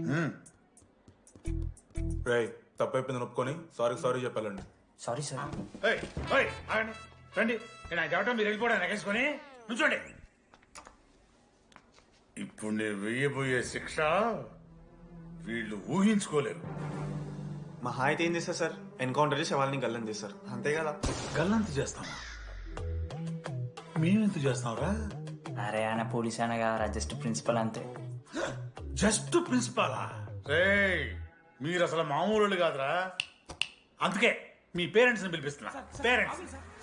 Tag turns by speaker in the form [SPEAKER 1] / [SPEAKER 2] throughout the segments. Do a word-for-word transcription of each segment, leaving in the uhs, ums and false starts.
[SPEAKER 1] రై తప్పైపోయింది ఒప్పుకొని sorry sorry చెప్పాలండి.
[SPEAKER 2] Sorry sir.
[SPEAKER 3] ఏయ్, ఏయ్, ఆగండి. రండి నేను చెప్పడం మీరు వెళ్ళిపోవడం ఎగేసుకొని నుంచోండి. ఇప్పుడు నేను వెయ్యబోయే శిక్ష వీళ్ళు ఊహించుకోలేరు.
[SPEAKER 4] మా హాయితే ఏం చేస్తారు సార్? ఎన్కౌంటర్ చేసి వాళ్ళని గల్లం చేస్తారు అంతే కదా.
[SPEAKER 3] గల్లంత చేస్తామా? మేమెంత చేస్తాంరా?
[SPEAKER 2] అరే ఆయన పోలీస్ ఆయన కదా, జస్ట్ ప్రిన్సిపల్ అంతే.
[SPEAKER 3] జస్ట్ ప్రిన్సిపాలా? రేయ్ మీరు అసలు మామూలు కాదురా. అందుకే మీ పేరెంట్స్ ని పిలిపిస్తున్నా. పేరెంట్స్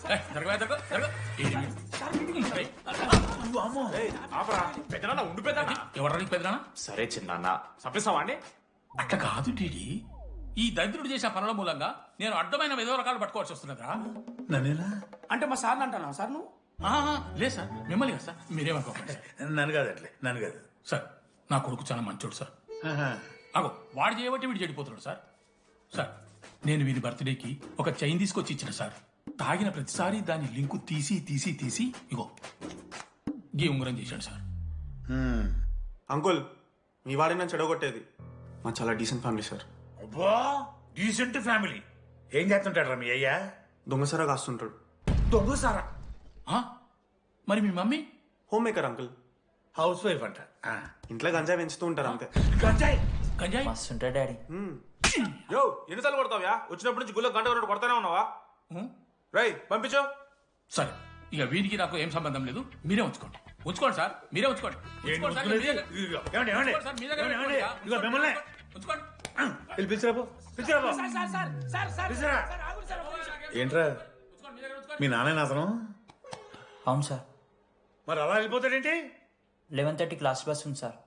[SPEAKER 5] ఎవరికి పెద్దనా?
[SPEAKER 6] సరే చిన్న చంపేస్తావా అండి?
[SPEAKER 5] అట్లా కాదు టీడీ, ఈ దరిద్రుడు చేసిన పనుల మూలంగా నేను అడ్డమైన విధవ రకాలు పట్టుకోవాల్సి వస్తున్నదా?
[SPEAKER 3] నన్నేనా
[SPEAKER 5] అంటే మా సార్ని అంటానా సార్ నువ్వు? లేదు సార్, మిమ్మల్ని కదా సార్, మీరేమనుకోకండి సార్.
[SPEAKER 3] నన్ను కాదు అట్లే నన్ను కాదు
[SPEAKER 5] సార్. నా కొడుకు చాలా మంచోడు సార్. అగో వాడు చేయబట్టి వీడు చెడిపోతున్నాడు సార్. సార్ నేను వీడి బర్త్డేకి ఒక చైన్ తీసుకొచ్చి ఇచ్చిన సార్. తాగిన ప్రతిసారి దాని లింకు తీసి తీసి తీసి ఇగో గీ ఉంగరం చేశాడు సార్.
[SPEAKER 4] అంకుల్ మీ వాడిని నన్ను చెడగొట్టేది. మా చాలా డీసెంట్ ఫ్యామిలీ సార్.
[SPEAKER 3] అబ్బా డీసెంట్ ఫ్యామిలీ. ఏం చేస్తుంటాడు రా మీ అయ్యా?
[SPEAKER 4] దొంగసరా కాస్తుంటాడు.
[SPEAKER 3] దొంగసారా?
[SPEAKER 5] మరి మీ mummy?
[SPEAKER 4] Home maker uncle.
[SPEAKER 3] House wife అంట.
[SPEAKER 4] ఇంట్లో గంజాయి పెంచుతూ ఉంటారు అంతే.
[SPEAKER 3] గంజాయి
[SPEAKER 5] గంజాయి
[SPEAKER 2] మస్తు ఉంటాడు డాడీ.
[SPEAKER 1] యో ఎన్నిసార్లు కొడతావ్యా? వచ్చినప్పటి నుంచి గుళ్ళ గంట కొట్టు కొడతానే ఉన్నావా? రై పంపించు.
[SPEAKER 5] సరే ఇక వీరికి నాకు ఏం సంబంధం లేదు, మీరే ఉంచుకోండి. ఉంచుకోండి సార్, మీరే ఉంచుకోండి. ఉంచుకోండి సార్, మీ దగ్గర- ఉంచుకోండి సార్, మీ దగ్గర పెట్టుకోండి సార్. ఉంచుకోండి.
[SPEAKER 3] ఏంట్రా మీ నాన్న అతను?
[SPEAKER 2] అవును సార్.
[SPEAKER 3] మరి అలా వెళ్ళిపోతాడేంటి?
[SPEAKER 2] లెవెన్ థర్టీ క్లాస్ బస్ ఉంది సార్.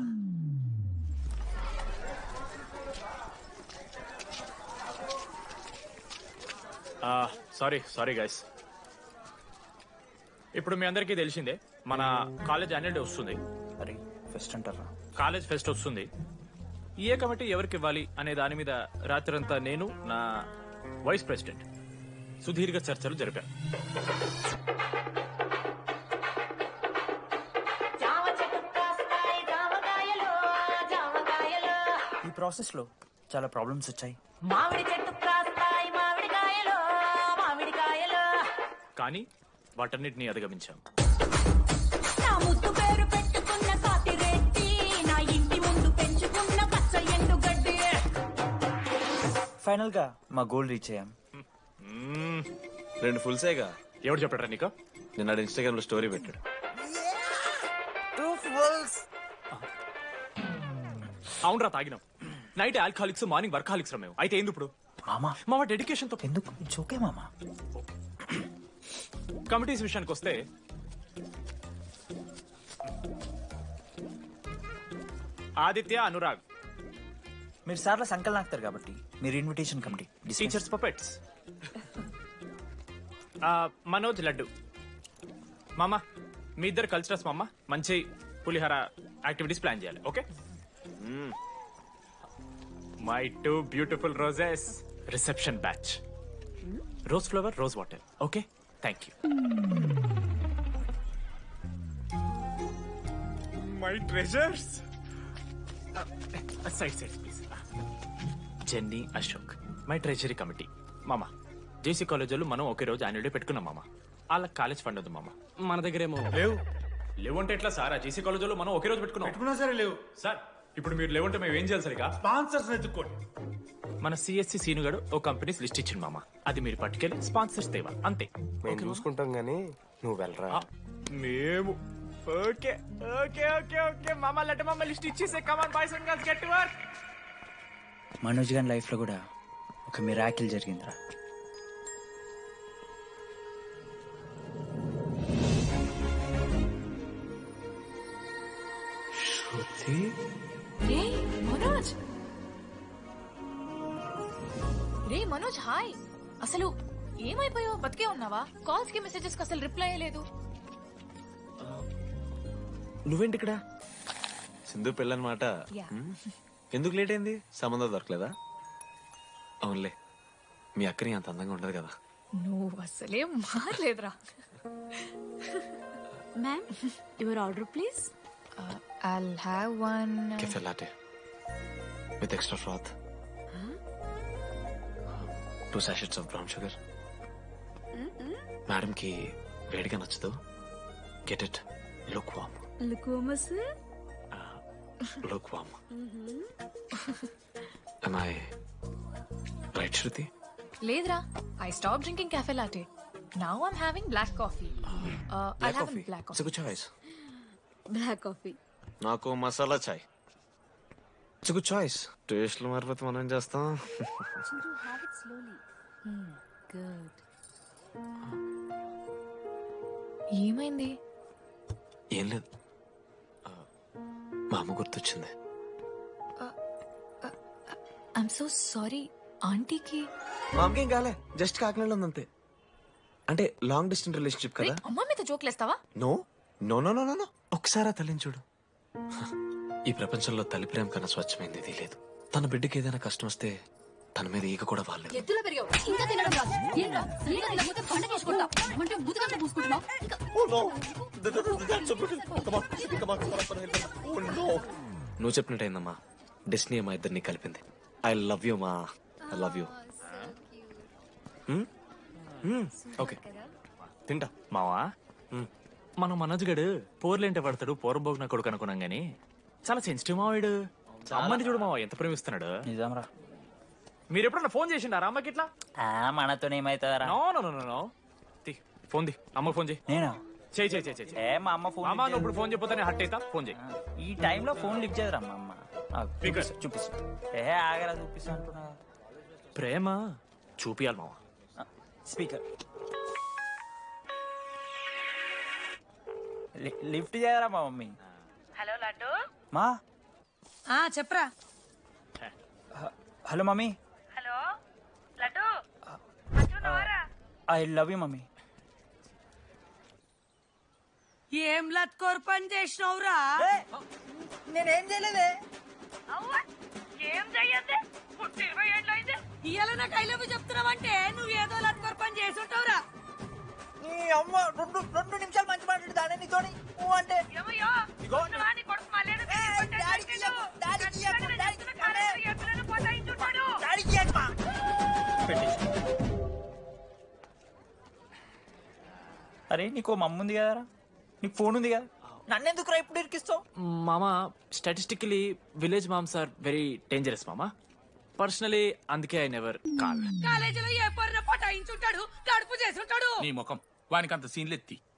[SPEAKER 6] Sorry sorry guys. ఇప్పుడు మీ అందరికీ తెలిసిందే మన కాలేజ్ యాన్యువల్ డే వస్తుంది.
[SPEAKER 2] అరే ఫెస్ట్ అంటారా?
[SPEAKER 6] కాలేజ్ ఫెస్ట్ వస్తుంది. ఏ కమిటీ ఎవరికి ఇవ్వాలి అనే దాని మీద రాత్రంతా నేను నా వైస్ ప్రెసిడెంట్ సుదీర్ఘ చర్చలు జరిపాను.
[SPEAKER 2] ఈ ప్రాసెస్ లో చాలా ప్రాబ్లమ్స్ వచ్చాయి.
[SPEAKER 7] మామిడి చెట్టు కాస్తాయి మామిడికాయలు మామిడికాయలు.
[SPEAKER 6] కానీ వాటన్నిటిని అధిగమించాం.
[SPEAKER 7] నా ముద్దు పేరు పెట్టుకున్న కాతిరెట్టి, నా ఇంటి ముందు పెంచుకున్న పచ్చ ఎండు గడ్డి.
[SPEAKER 2] ఫైనల్ గా మా గోల్ రీచ్ అయ్యాం.
[SPEAKER 8] రెండు ఫుల్ సేగా.
[SPEAKER 6] ఎవరు చెప్పారా నీకు?
[SPEAKER 8] నిన్న ఇన్స్టాగ్రామ్ లో స్టోరీ పెట్టాడు.
[SPEAKER 6] అవునరా తాగినాం. నైట్ ఆల్కహాలిక్స్, మార్నింగ్ వర్కాలిక్స్ రా మేము. అయితే ఏంది ఇప్పుడు?
[SPEAKER 2] మామా
[SPEAKER 6] మామ డెడికేషన్ తో
[SPEAKER 2] ఎందుకు జోకే మామా.
[SPEAKER 6] కమిటీస్ విషయానికి వస్తే ఆదిత్య, అనురాగ్
[SPEAKER 2] మీరు సార్ల సంకలనం ఆగుతారు కాబట్టి మీరు invitation committee.
[SPEAKER 6] Teachers puppets. Manoj, Laddu. మామ మీ ఇద్దరు కల్చరల్స్ మామ. మంచి పులిహార యాక్టివిటీస్ ప్లాన్ చేయాలి. Okay? My two beautiful roses reception batch. Rose flower, rose water. Okay, thank you. My treasures. Side side please. Jenny, Ashok my treasury committee. మామ జేసీ కాలేజీలో మనం ఒకే రోజు యాన్యువల్ డే పెట్టుకున్నాం మామ. వాళ్ళకి కాలేజ్ ఫండ్ ఉంది మామ. మన దగ్గర ఏమో
[SPEAKER 3] లేవు.
[SPEAKER 6] లేవంటే ఎట్లా సార్? ఆ జేసీ కాలేజీలో మనం ఒకే రోజు పెట్టుకున్నాం.
[SPEAKER 3] పెట్టుకున్నా సరే లేవు
[SPEAKER 6] సార్ ఇప్పుడు మీరు లేవంటే మేము ఏం చేయాలి సరిగా?
[SPEAKER 3] స్పాన్సర్స్ ఎత్తుక్కోండి.
[SPEAKER 6] మన సిఎస్సి సీనుగాడు ఓ కంపెనీస్ లిస్ట్ ఇచ్చింది మామ. అది మీరు పట్టుకెళ్ళి స్పాన్సర్స్ తేవాలి అంతే.
[SPEAKER 8] మేము చూసుకుంటాం గానీ నువ్వు వెళ్ళరా.
[SPEAKER 6] మేము ఓకే ఓకే ఓకే ఓకే మామ. లడ్డు మామ లిస్ట్ ఇచ్చేసే. Come on boys and girls, get to work.
[SPEAKER 2] Manoj garu life లో కూడా ఒక మిరాకిల్ జరిగిందిరా.
[SPEAKER 7] రే మనోజ్, రే మనోజ్ హాయ్. అసలు ఏమైపోయావు? బతికే ఉన్నావా? కాల్స్ కి మెసేజెస్ కి అసలు రిప్లై అయ్యలేదు.
[SPEAKER 8] నువ్వేంటి ఇక్కడ? సింధు పెళ్ళనమాట. ఎందుకు లేట్ అయింది? సంబంధం దొరకలేదా? అవునులే, మీ అక్కని అంత అందంగా ఉండదు కదా.
[SPEAKER 7] నువ్వు అసలే మారలేదురా.
[SPEAKER 9] Ma'am your order please.
[SPEAKER 7] I'll have one.
[SPEAKER 8] Cafe latte. With extra froth, two sachets of brown sugar. Madam కి వేడిగా నచ్చదు. గెట్ ఇట్, లుక్ వామ్,
[SPEAKER 7] లుకోమస్
[SPEAKER 8] look warm. Am I right, Shruti?
[SPEAKER 9] లేదురా, I stop drinking cafe latte. Now I'm having black coffee. Uh, I'll have a black
[SPEAKER 8] It's
[SPEAKER 9] coffee.
[SPEAKER 8] a good choice.
[SPEAKER 7] Black coffee.
[SPEAKER 8] నాకు మసాలా చాయ్. It's good choice. టేస్ట్లు మారిపోతే మనం ఏం చేస్తాం?
[SPEAKER 7] Have it slowly. Good.
[SPEAKER 9] ఏమైంది?
[SPEAKER 8] ఏం లేదు, ఆ, మా అమ్మ గుర్తొచ్చింది.
[SPEAKER 9] I'm so sorry. ఆంటీకి
[SPEAKER 8] మా అమ్మకి ఏం కాలే, జస్ట్ కాకినాడలో ఉందంతే. అంటే లాంగ్ డిస్టెన్స్ రిలేషన్షిప్ కదా.
[SPEAKER 9] అమ్మ మీద జోక్లేస్తావా?
[SPEAKER 8] No no no no no no ఒకసారి ఆ తల్లిని చూడు. ఈ ప్రపంచంలో తల్లి ప్రేమ కన్నా స్వచ్ఛమైంది ఇది లేదు. తన బిడ్డకి ఏదైనా కష్టం వస్తే తన మీద ఈగ కూడా వాళ్ళలేదు.
[SPEAKER 7] ఎత్తులో పెరిగావు ఇంకా తినడం రాదు. ఏంట్రా సరిగా తినకపోతే పంట చేసుకుంటా అంటే ముదుగంటే పూసుకుంటున్నావు.
[SPEAKER 8] నువ్వు చెప్పినట్టయిందమ్మా, డెస్నీ మా ఇద్దరిని కలిపింది. ఐ లవ్ యూ మా, ఐ లవ్ యూ. ఓకే తింటా.
[SPEAKER 6] మావా మన మనోజ్ గడు పోర్లేంటే పడతాడు, పోరబోగు నా కొడుకు అనుకున్నాం గానీ చాలా సెన్సిటివ్ మావాడు. అమ్మని చూడు మావా ఎంత ప్రేమిస్తున్నాడు.
[SPEAKER 2] నిజంరా.
[SPEAKER 6] మీరు ఎప్పుడన్నా ఫోన్ చేసిండారా అమ్మకి ఇట్లా?
[SPEAKER 2] మనతో ఏమైతుందరా?
[SPEAKER 6] No no no no no తీ ఫోన్ ది, అమ్మకి ఫోన్ చేయి.
[SPEAKER 2] నేనా?
[SPEAKER 6] చేయి చేయి చేయి చేయి.
[SPEAKER 2] ఏ మా అమ్మ ఫోన్
[SPEAKER 6] అమ్మ నువ్వు ఇప్పుడు ఫోన్ చెప్పితే హట్ అవుతా. ఫోన్ చేయి.
[SPEAKER 2] ఈ టైంలో ఫోన్ లిఫ్ట్ చేయదురా మా అమ్మ. చూపిస్తా. ఏ ఆగరా చూపిస్తా అంటున్నా.
[SPEAKER 6] ప్రేమ చూపియాలి మావా.
[SPEAKER 2] స్పీకర్ లిఫ్ట్ చేయరా మా మమ్మీ.
[SPEAKER 7] హలో లడ్డు.
[SPEAKER 2] మా
[SPEAKER 7] ఆ చెప్పరా.
[SPEAKER 2] Hello mummy.
[SPEAKER 7] Hello Laddu.
[SPEAKER 2] I love you mummy.
[SPEAKER 7] ఏం లత్కోర్ పని చేసినవురా?
[SPEAKER 2] నేనేం చేయలేదే.
[SPEAKER 7] ఏం చెయ్యద్దే పుట్టి ఇరవై ఏళ్ళు అయితే ఇవాళ నాకు ఐ లవ్ యూ చెప్తున్నావంటే నువ్వు ఏదో లత్కోర్ పని చేసి ఉంటావురా.
[SPEAKER 2] నీ అమ్మ రెండు రెండు నిమిషాలు మంచి మాట్లాడుతానే నీతోని. నువ్వు అంటే
[SPEAKER 7] ఏమయ్యో నీ కొడుకు మళ్ళీ
[SPEAKER 2] అరే నీకో మమ్మ ఉంది కదరా, నీకు ఫోన్ ఉంది కదా, నన్నెందుకు రా ఇప్పుడు ఇరికిస్తావు?
[SPEAKER 6] మామా statistically village moms are very dangerous మామా. పర్సనలీ అందుకే ఐ నెవర్ కాల్.
[SPEAKER 7] కాలేజీలో ఏ పొరిన పటాయించుంటాడు, కడుపు చేసి ఉంటాడు.
[SPEAKER 5] నీ ముఖం వానికి అంత సీన్లెత్తి